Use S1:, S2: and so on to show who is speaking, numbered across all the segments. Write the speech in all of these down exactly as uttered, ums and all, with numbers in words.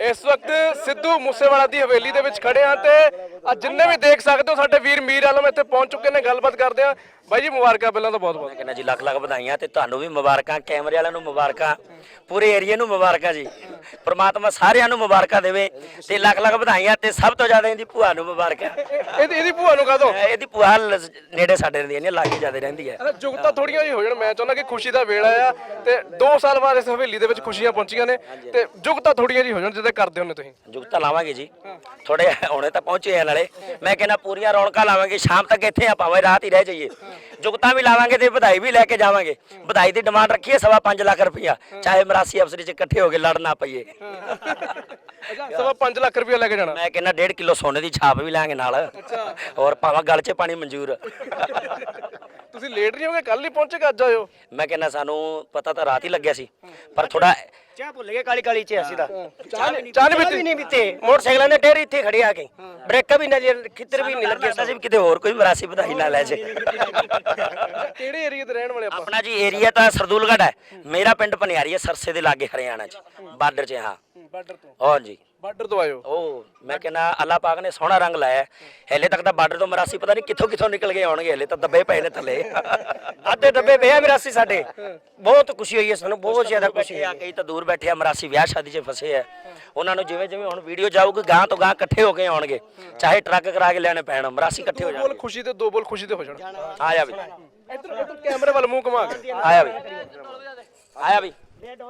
S1: ਇਸ ਵਕਤ ਸਿੱਧੂ ਮੂਸੇਵਾਲਾ ਦੀ ਹਵੇਲੀ ਦੇ ਵਿੱਚ ਖੜੇ ਆ ਤੇ ਆ ਜਿੰਨੇ ਵੀ ਦੇਖ ਸਕਦੇ ਹੋ ਸਾਡੇ ਵੀਰ ਮੀਰ ਆਲਮ ਇੱਥੇ ਪਹੁੰਚ ਚੁੱਕੇ ਨੇ। ਗੱਲਬਾਤ ਕਰਦੇ ਆ ਬਾਈ ਜੀ, ਮੁਬਾਰਕਾਂ ਪਹਿਲਾਂ ਤਾਂ ਬਹੁਤ ਬਹੁਤ।
S2: ਕਹਿੰਦਾ ਜੀ ਲੱਖ ਲੱਖ ਵਧਾਈਆਂ ਤੇ ਤੁਹਾਨੂੰ ਵੀ ਮੁਬਾਰਕਾਂ, ਕੈਮਰੇ ਵਾਲਿਆਂ ਨੂੰ ਮੁਬਾਰਕਾਂ, ਪੂਰੇ ਏਰੀਏ ਨੂੰ ਮੁਬਾਰਕਾਂ ਜੀ। ਪ੍ਰਮਾਤਮਾ ਸਾਰਿਆਂ ਨੂੰ ਮੁਬਾਰਕਾਂ ਦੇਵੇ ਤੇ ਲੱਖ ਲੱਖ ਵਧਾਈਆਂ ਤੇ ਸਭ ਤੋਂ ਜ਼ਿਆਦਾ ਇਹਦੀ ਭੂਆ ਨੂੰ ਮੁਬਾਰਕਾਂ।
S1: ਇਹਦੀ ਇਹਦੀ ਭੂਆ ਨੂੰ ਕਾਹਦੋਂ?
S2: ਇਹਦੀ ਭੂਆ ਲ- ਨੇੜੇ ਸਾਡੇ ਰਹਿੰਦੀ ਹੈ, ਲਾਗੇ ਜ਼ਿਆਦਾ ਰਹਿੰਦੀ ਹੈ।
S1: ਜੁਗਤਾਂ ਥੋੜੀਆਂ ਜਿਹੀ ਹੋ ਜਾਣ, ਮੈਂ ਚਾਹੁੰਦਾ ਕਿ ਖੁਸ਼ੀ ਦਾ ਵੇਲਾ ਆ ਤੇ ਦੋ ਸਾਲ ਬਾਅਦ ਇਸ ਹਵੇਲੀ ਦੇ ਵਿੱਚ ਖੁਸ਼ੀਆਂ ਪਹੁੰਚੀਆਂ ਨੇ ਤੇ ਜੁਗਤਾਂ ਥੋੜੀਆਂ ਜਿਹੀ ਹੋ ਜਾਣ ਜਿੱਦਾਂ ਕਰਦੇ ਹੁੰਦੇ ਤੁਸੀਂ।
S2: ਜੁਗਤਾ ਲਾਵਾਂਗੇ ਜੀ, ਥੋੜੇ ਹੁਣੇ ਤਾਂ ਪਹੁੰਚੇ ਆ ਨਾਲੇ। ਮੈਂ ਕਹਿੰਦਾ ਪੂਰੀਆਂ ਰੌਣਕਾਂ ਲਾਵਾਂਗੇ, ਸ਼ਾਮ ਤੱਕ ਇੱਥੇ ਆ, ਭਾਵੇਂ ਰਾਤ ਹੀ ਰਹਿ ਜਾਈਏ। ਜੁਗਤਾਂ ਵੀ ਲਾਵਾਂਗੇ ਤੇ ਵਧਾਈ ਵੀ ਲੈ ਕੇ ਜਾਵਾਂਗੇ। ਵਧਾਈ ਦੀ ਡਿਮਾਂਡ ਰੱਖੀ ਹੈ ਸਵਾ ਪੰਜ ਲੱਖ ਰੁਪਈਆ, ਚਾਹੇ ਮਰਾਸੀ ਅਫਸਰੀ ਚ ਇਕੱਠੇ ਹੋ ਕੇ ਲੜ ਨਾ ਪਈਏ।
S1: ਸਵਾ ਪੰਜ ਲੱਖ ਰੁਪਇਆ ਲੈ ਕੇ ਜਾਣਾ।
S2: ਮੈਂ ਕਹਿੰਦਾ ਡੇਢ ਕਿਲੋ ਸੋਨੇ ਦੀ ਛਾਪ ਵੀ ਲਾਂਗੇ ਨਾਲ, ਔਰ ਭਾਵੇਂ ਗਲ 'ਚ ਪਾਣੀ ਮਨਜ਼ੂਰ।
S1: ਤੁਸੀਂ ਲੇਟ ਨਹੀਂ ਹੋਗੇ, ਕੱਲ ਹੀ ਪਹੁੰਚੇ ਕਿ ਅੱਜ ਆਇਓ?
S2: ਮੈਂ ਕਹਿੰਦਾ ਸਾਨੂੰ ਪਤਾ ਤਾਂ ਰਾਤ ਹੀ ਲੱਗਿਆ ਸੀ, ਪਰ ਥੋੜਾ
S3: ਚਾਹ ਭੁੱਲ ਗਏ ਕਾਲੀ ਕਾਲੀ ਚ ਅਸੀਂ ਤਾਂ
S1: ਚਾਹ ਨਹੀਂ
S3: ਚਾਹ ਵੀ ਨਹੀਂ ਪੀਤੇ। ਮੋਟਰਸਾਈਕਲਾਂ ਦੇ ਟੇਰ ਇੱਥੇ ਖੜੇ ਆ ਕੇ, ਬ੍ਰੇਕਾਂ ਵੀ ਨਹੀਂ, ਖਿੱਤਰ ਵੀ ਨਹੀਂ ਲੱਗੇ।
S2: ਅਸੀਂ ਵੀ ਕਿਤੇ ਹੋਰ ਕੋਈ ਮਰਾਸੀ ਵਧਾਈ ਨਾ ਲੈ ਜੇ।
S1: ਕਿਹੜੇ ਏਰੀਆ ਦੇ ਰਹਿਣ ਵਾਲੇ ਆਪਾਂ?
S2: ਆਪਣਾ ਜੀ ਏਰੀਆ ਤਾਂ ਸਰਦੂਲਗੜ੍ਹ ਹੈ, ਮੇਰਾ ਪਿੰਡ ਪਨਿਆਰੀ ਹੈ, ਸਰਸੇ ਦੇ ਲਾਗੇ ਹਰਿਆਣਾ 'ਚ, ਬਾਰਡਰ 'ਚ। ਹਾਂ
S1: ਬਾਰਡਰ ਤੋਂ?
S2: ਹਾਂਜੀ
S1: ਬਾਰਡਰ ਤੋਂ ਆਇਓ।
S2: ਉਹ ਮੈਂ ਕਹਿੰਦਾ ਅੱਲਾਹ ਪਾਕ ਨੇ ਸੋਹਣਾ ਰੰਗ ਲਾਇਆ। ਹਲੇ ਤੱਕ ਤਾਂ ਬਾਰਡਰ ਤੋਂ ਮਰਾਸੀ ਪਤਾ ਨਹੀਂ ਕਿੱਥੋਂ ਕਿੱਥੋਂ ਨਿਕਲ ਕੇ ਆਉਣਗੇ, ਹਲੇ ਤਾਂ ਦੱਬੇ ਪਏ ਨੇ ਥੱਲੇ।
S3: ਅੱਧੇ ਡੱਬੇ ਪਿਆ ਮਰਾਸੀ ਸਾਡੇ। ਬਹੁਤ ਖੁਸ਼ੀ ਹੋਈ ਹੈ ਸਾਨੂੰ, ਬਹੁਤ ਜ਼ਿਆਦਾ ਖੁਸ਼ੀ
S2: ਖੁਸ਼ੀ ਆ। ਕਈ ਤਾਂ ਦੂਰ ਬੈਠੇ ਆ, ਮਰਾਸੀ ਵਿਆਹ ਸ਼ਾਦੀ 'ਚ ਫਸੇ ਆ। ਉਹਨਾਂ ਨੂੰ ਜਿਵੇਂ ਜਿਵੇਂ ਹੁਣ ਵੀਡੀਓ ਜਾਊਗੀ ਗਾਂ ਤੋਂ ਗਾਂ ਇਕੱਠੇ ਹੋ ਕੇ ਆਉਣਗੇ, ਚਾਹੇ ਟਰੱਕ ਕਰਾ ਕੇ ਲੈਣੇ ਪੈਣ, ਮਰਾਸੀ ਇਕੱਠੇ ਹੋ
S1: ਬੋਲ
S2: ਜਾਣਗੇ।
S1: ਖੁਸ਼ੀ ਤੇ ਦੋ ਬੋਲ ਖੁਸ਼ੀ ਤੇ ਹੋ ਜਾਣ।
S2: ਆ ਜਾ ਵੀ,
S1: ਇੱਧਰ ਇੱਧਰ ਕੈਮਰੇ ਵੱਲ ਮੂੰਹ ਘੁਮਾ ਕੇ
S2: ਆਇਆ ਵੀ, ਆਇਆ ਵੀ।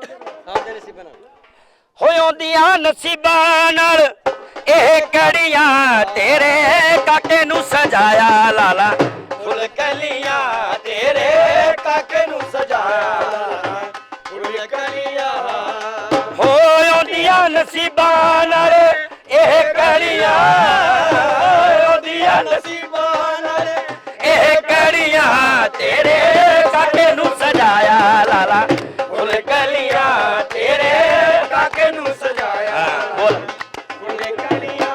S2: ਹੋਇਉਂਦੀਆਂ ਨਸੀਬਾਂ ਨਾਲ ਇਹ ਕੜੀਆਂ ਤੇਰੇ ਕਾਕੇ ਨੂੰ ਸਜਾਇਆ ਲਾਲਾ।
S3: ਫੁੱਲ ਕਲੀਆਂ ਤੇਰੇ ਕਾਕੇ ਨੂੰ ਸਜਾਇਆ ਲਾਲਾ, ਫੁੱਲ ਕਲੀਆਂ।
S2: ਹੋਇਉਂਦੀਆਂ ਨਸੀਬਾਂ ਨਾਲ ਇਹ ਕੜੀਆਂ, ਹੋਇਉਂਦੀਆਂ
S3: ਨਸੀਬਾਂ ਨਾਲ
S2: ਇਹ ਕੜੀਆਂ ਤੇਰੇ ਕਾਕੇ ਨੂੰ ਸਜਾਇਆ ਲਾਲਾ।
S3: ਫੁੱਲ ਕਲੀਆਂ ਤੇਰੇ ਕਾਕੇ ਨੂੰ ਸਜਾਇਆ,
S2: ਬੋਲ
S3: ਫੁੱਲ ਕਲੀਆਂ।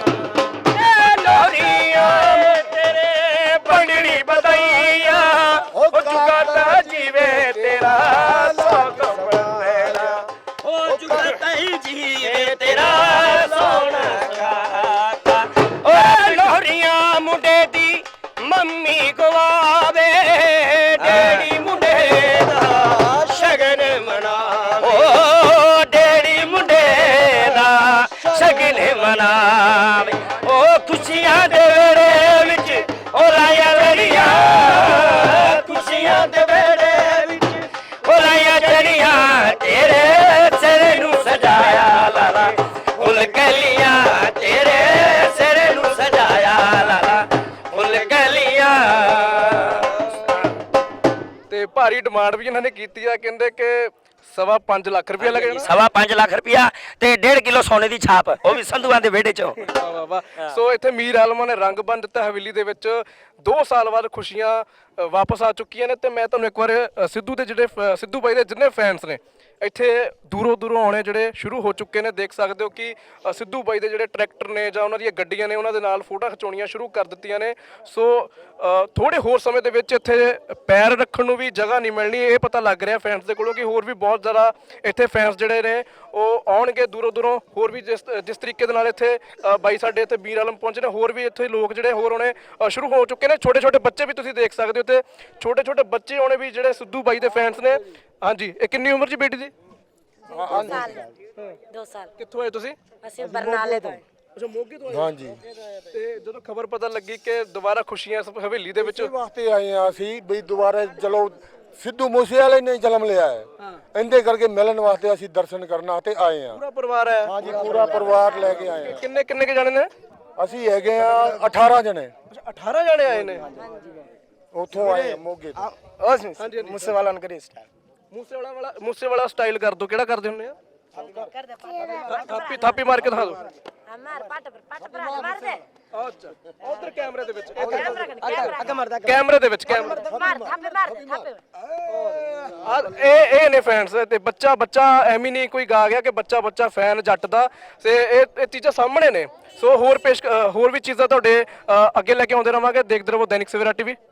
S2: ਲੋਰੀਆਂ ਤੇਰੇ ਬੰਡਣੀ ਬਧਾਈਆਂ, ਉਹ ਜੁਗਾਤਾ ਜੀਵੇ ਤੇਰਾ ਸੋਗ ਮੇਰਾ, ਉਹ ਜੁਗਾਤਾ ਹੀ ਜੀਵੇ ਤੇਰਾ ਸੋਹਣਾ ਕਾਕਾ। ਓਏ ਲੋਰੀਆਂ ਮੁੰਡੇ ਦੀ ਮੰਮੀ ਗਵਾਵੇ, ਡੈਡੀ ਮੁੰਡੇ ਦਾ ਸ਼ਗਨ ਮਨਾਵੇ। ਓ ਡੈਡੀ ਮੁੰਡੇ ਦਾ ਸ਼ਗਨ ਮਨਾਵੇ। ਉਹ ਖੁਸ਼ੀਆਂ ਦੇ ਵੇੜੇ ਵਿੱਚ ਉਹ ਲਾਇਆ ਲੜੀਆਂ, ਖੁਸ਼ੀਆਂ ਦੇ ਵੇੜੇ ਵਿੱਚ ਉਹ ਲਾਇਆ ਚੜੀਆਂ ਤੇਰੇ ਸਿਰ ਨੂੰ ਸਜਾਇਆ ਲਾਲਾ। ਫੁੱਲ ਕਲੀਆਂ ਤੇਰੇ ਸਿਰ ਨੂੰ ਸਜਾਇਆ ਲਾਲਾ, ਫੁੱਲ ਕਲੀਆਂ।
S1: ਤੇ ਭਾਰੀ ਡਿਮਾਂਡ ਵੀ ਇਹਨਾਂ ਨੇ ਕੀਤੀ ਆ, ਕਹਿੰਦੇ ਕਿ ਸਵਾ ਪੰਜ ਲੱਖ ਰੁਪਇਆ ਲੈ ਕੇ ਜਾਣਾ।
S2: ਸਵਾ ਪੰਜ ਲੱਖ ਰੁਪਇਆ ਤੇ ਡੇਢ ਕਿਲੋ ਸੋਨੇ ਦੀ ਛਾਪ, ਉਹ ਵੀ ਸੰਧੂਆਂ ਦੇ ਵਿਹੜੇ ਚੋਂ।
S1: ਵਾਹ ਵਾਹ ਵਾਹ। ਸੋ ਇੱਥੇ ਮੀਰ ਆਲਮਾਂ ਨੇ ਰੰਗ ਬੰਨ ਦਿੱਤਾ ਹਵੇਲੀ ਦੇ ਵਿੱਚ। ਦੋ ਸਾਲ ਬਾਅਦ ਖੁਸ਼ੀਆਂ ਅ, ਵਾਪਸ ਆ ਚੁੱਕੀਆਂ ਨੇ ਤੇ ਮੈਂ ਤੁਹਾਨੂੰ ਇੱਕ ਵਾਰ ਅ, ਸਿੱਧੂ ਦੇ ਜਿਹੜੇ ਫ- ਸਿੱਧੂ ਬਾਈ ਦੇ ਜਿੰਨੇ ਫੈਨਸ ਨੇ ਇੱਥੇ ਦੂਰੋਂ ਦੂਰੋਂ ਆਉਣੇ ਜਿਹੜੇ ਸ਼ੁਰੂ ਹੋ ਚੁੱਕੇ ਨੇ। ਦੇਖ ਸਕਦੇ ਹੋ ਕਿ ਅ, ਸਿੱਧੂ ਬਾਈ ਦੇ ਜਿਹੜੇ ਟਰੈਕਟਰ ਨੇ ਜਾਂ ਉਹਨਾਂ ਦੀਆਂ ਗੱਡੀਆਂ ਨੇ, ਉਹਨਾਂ ਦੇ ਨਾਲ ਫੋਟੋ ਖਿਚਾਉਣੀਆਂ ਸ਼ੁਰੂ ਕਰ ਦਿੱਤੀਆਂ ਨੇ। ਸੋ ਅ, ਥੋੜੇ ਹੋਰ ਸਮੇਂ ਦੇ ਵਿੱਚ ਇੱਥੇ ਪੈਰ ਰੱਖਣ ਨੂੰ ਵੀ ਜਗ੍ਹਾ ਨਹੀਂ ਮਿਲਣੀ। ਇਹ ਪਤਾ ਲੱਗ ਰਿਹਾ ਫੈਨਸ ਦੇ ਕੋਲੋਂ ਕਿ ਹੋਰ ਵੀ ਬਹੁਤ ਜ਼ਿਆਦਾ ਇੱਥੇ ਫੈਨਸ ਜਿਹੜੇ ਨੇ ਉਹ ਆਉਣਗੇ ਦੂਰੋਂ ਦੂਰੋਂ। ਹੋਰ ਵੀ ਜਿਸ ਜਿਸ ਤਰੀਕੇ ਦੇ ਨਾਲ ਇੱਥੇ ਅ, ਬਾਈ ਸਾਡੇ ਇੱਥੇ ਮੀਰ ਆਲਮ ਪਹੁੰਚੇ ਨੇ, ਹੋਰ ਵੀ ਇੱਥੇ ਲੋਕ ਜਿਹੜੇ ਹੋਰ ਆਉਣੇ ਅ, ਸ਼ੁਰੂ ਹੋ ਚੁੱਕੇ ਨੇ। ਛੋਟੇ ਛੋਟੇ ਬੱਚੇ ਵੀ ਤੁਸੀਂ ਦੇਖ ਸਕਦੇ ਹੋ ਤੇ ਛੋਟੇ ਛੋਟੇ ਬੱਚੇ ਆਉਣੇ ਵੀ ਜਿਹੜੇ ਸਿੱਧੂ ਬਾਈ ਦੇ ਫੈਨਸ ਨੇ। ਹਾਂਜੀ, ਇਹ ਕਿੰਨੀ ਉਮਰ 'ਚ ਬੇਟੀ ਦੀ?
S4: दो साल दो साल
S1: ਕਿੱਥੋਂ ਆਏ ਤੁਸੀਂ?
S4: ਅਸੀਂ ਬਰਨਾਲੇ ਤੋਂ
S1: ਅੱਛਾ, ਮੋਗੇ ਤੋਂ ਆਏ?
S5: ਹਾਂਜੀ,
S1: ਤੇ ਜਦੋਂ ਖਬਰ ਪਤਾ ਲੱਗੀ ਕਿ ਦੁਬਾਰਾ ਖੁਸ਼ੀਆਂ ਇਸ ਹਵੇਲੀ ਦੇ ਵਿੱਚ,
S5: ਇਸ ਵਾਸਤੇ ਆਏ ਆ ਅਸੀਂ ਵੀ ਦੁਬਾਰਾ ਚਲੋ ਸਿੱਧੂ ਮੂਸੇਵਾਲੇ ਨੇ ਜਨਮ ਲਿਆ ਹੈ, ਇਹਦੇ ਕਰਕੇ ਮਿਲਣ ਵਾਸਤੇ ਅਸੀਂ ਦਰਸ਼ਨ ਕਰਨ ਵਾਸਤੇ ਆਏ ਆ।
S1: ਪੂਰਾ ਪਰਿਵਾਰ ਹੈ?
S5: ਹਾਂਜੀ, ਪੂਰਾ ਪਰਿਵਾਰ ਲੈ ਕੇ ਆਏ ਆ।
S1: ਕਿੰਨੇ ਕਿੰਨੇ ਕੇ ਜਾਣੇ ਨੇ?
S5: ਅਸੀਂ ਹੈਗੇ ਆ ਅਠਾਰਾਂ ਜਣੇ,
S1: ਅੱਛਾ, ਅਠਾਰਾਂ ਜਾਣੇ ਆਏ ਨੇ।
S5: ਉੱਥੋਂ ਆਏ ਆ ਮੋਗੇ ਤੋਂ।
S1: ਹਾਂਜੀ ਹਾਂਜੀ।
S3: ਮੂਸੇਵਾਲਾ ਨੂੰ ਕਰੀ ਸਟਾਰ
S1: ਮੂਸੇਵਾਲਾ ਵਾਲਾ ਮੂਸੇਵਾਲਾ ਸਟਾਈਲ ਕਰ ਦੋ। ਕਿਹੜਾ ਕਰਦੇ ਹੁੰਦੇ ਆ?
S4: कर दे पाट
S1: ਥਾਪੀ ਥਾਪੀ ਮਾਰ ਕੇ ਦਿਖਾ ਦਿਓ।
S4: हमार पाट पर पाट पर मार दे
S1: ਅੱਛਾ, ਉਧਰ ਕੈਮਰੇ ਦੇ ਵਿੱਚ,
S4: कैमरा कर कैमरा
S3: ਅੱਗੇ ਮਰਦਾ
S1: ਕੈਮਰੇ ਦੇ ਵਿੱਚ ਕੈਮਰਾ।
S4: मार थापे मार दे थापे
S1: ਆ ਇਹ ਇਹ ਨੇ ਫੈਨਸ। ਤੇ ਬੱਚਾ ਬੱਚਾ ਐਵੇਂ ਨਹੀਂ ਕੋਈ ਗਾ ਗਿਆ ਕਿ ਬੱਚਾ ਬੱਚਾ ਫੈਨ ਜੱਟ ਦਾ। ਤੇ ਇਹ ਇਹ ਚੀਜ਼ਾਂ ਸਾਹਮਣੇ ਨੇ। ਸੋ ਹੋਰ ਪੇਸ਼ ਅ, ਹੋਰ ਵੀ ਚੀਜ਼ਾਂ ਤੁਹਾਡੇ ਅ, ਅੱਗੇ ਲੈ ਕੇ ਆਉਂਦੇ ਰਵਾਂਗੇ। ਦੇਖਦੇ ਰਹੋ ਦੈਨਿਕ ਸਵੇਰਾ ਟੀਵੀ।